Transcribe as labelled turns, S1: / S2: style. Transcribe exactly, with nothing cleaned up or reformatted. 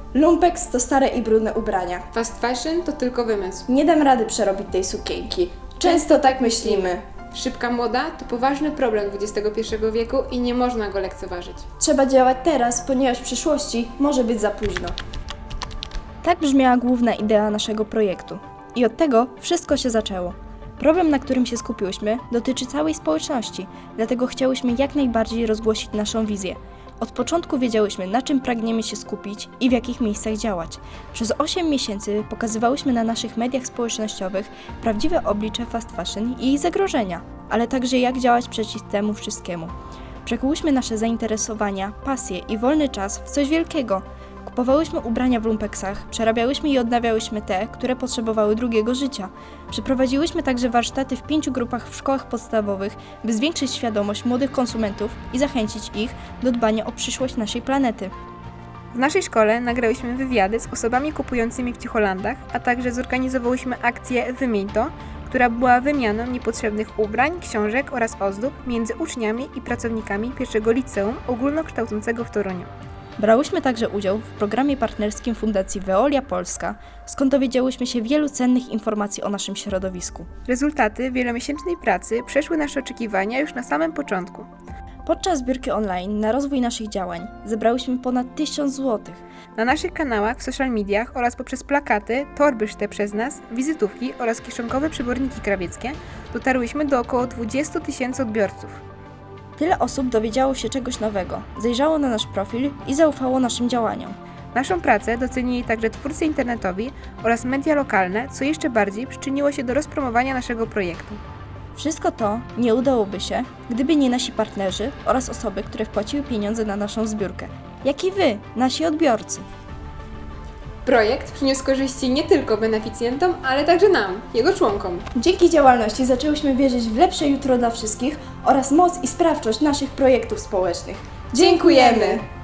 S1: Lumpex to stare i brudne ubrania.
S2: Fast fashion to tylko wymysł.
S1: Nie dam rady przerobić tej sukienki. Często tak myślimy.
S2: Szybka moda to poważny problem dwudziestego pierwszego wieku i nie można go lekceważyć.
S1: Trzeba działać teraz, ponieważ w przyszłości może być za późno. Tak brzmiała główna idea naszego projektu. I od tego wszystko się zaczęło. Problem, na którym się skupiłyśmy, dotyczy całej społeczności, dlatego chciałyśmy jak najbardziej rozgłosić naszą wizję. Od początku wiedziałyśmy, na czym pragniemy się skupić i w jakich miejscach działać. Przez osiem miesięcy pokazywałyśmy na naszych mediach społecznościowych prawdziwe oblicze fast fashion i jej zagrożenia, ale także jak działać przeciw temu wszystkiemu. Przekułyśmy nasze zainteresowania, pasje i wolny czas w coś wielkiego. Kupowałyśmy ubrania w lumpeksach, przerabiałyśmy i odnawiałyśmy te, które potrzebowały drugiego życia. Przeprowadziłyśmy także warsztaty w pięciu grupach w szkołach podstawowych, by zwiększyć świadomość młodych konsumentów i zachęcić ich do dbania o przyszłość naszej planety.
S2: W naszej szkole nagrałyśmy wywiady z osobami kupującymi w Ciucholandach, a także zorganizowałyśmy akcję Wymień to, która była wymianą niepotrzebnych ubrań, książek oraz ozdób między uczniami i pracownikami pierwszego liceum ogólnokształcącego w Toruniu.
S1: Brałyśmy także udział w programie partnerskim Fundacji Veolia Polska, skąd dowiedziałyśmy się wielu cennych informacji o naszym środowisku.
S2: Rezultaty wielomiesięcznej pracy przeszły nasze oczekiwania już na samym początku.
S1: Podczas zbiórki online na rozwój naszych działań zebrałyśmy ponad tysiąc złotych.
S2: Na naszych kanałach w social mediach oraz poprzez plakaty, torby szyte przez nas, wizytówki oraz kieszonkowe przyborniki krawieckie dotarłyśmy do około dwudziestu tysięcy odbiorców.
S1: Tyle osób dowiedziało się czegoś nowego, zajrzało na nasz profil i zaufało naszym działaniom.
S2: Naszą pracę docenili także twórcy internetowi oraz media lokalne, co jeszcze bardziej przyczyniło się do rozpromowania naszego projektu.
S1: Wszystko to nie udałoby się, gdyby nie nasi partnerzy oraz osoby, które wpłaciły pieniądze na naszą zbiórkę, jak i wy, nasi odbiorcy.
S2: Projekt przyniósł korzyści nie tylko beneficjentom, ale także nam, jego członkom.
S1: Dzięki działalności zaczęłyśmy wierzyć w lepsze jutro dla wszystkich oraz moc i sprawczość naszych projektów społecznych. Dziękujemy!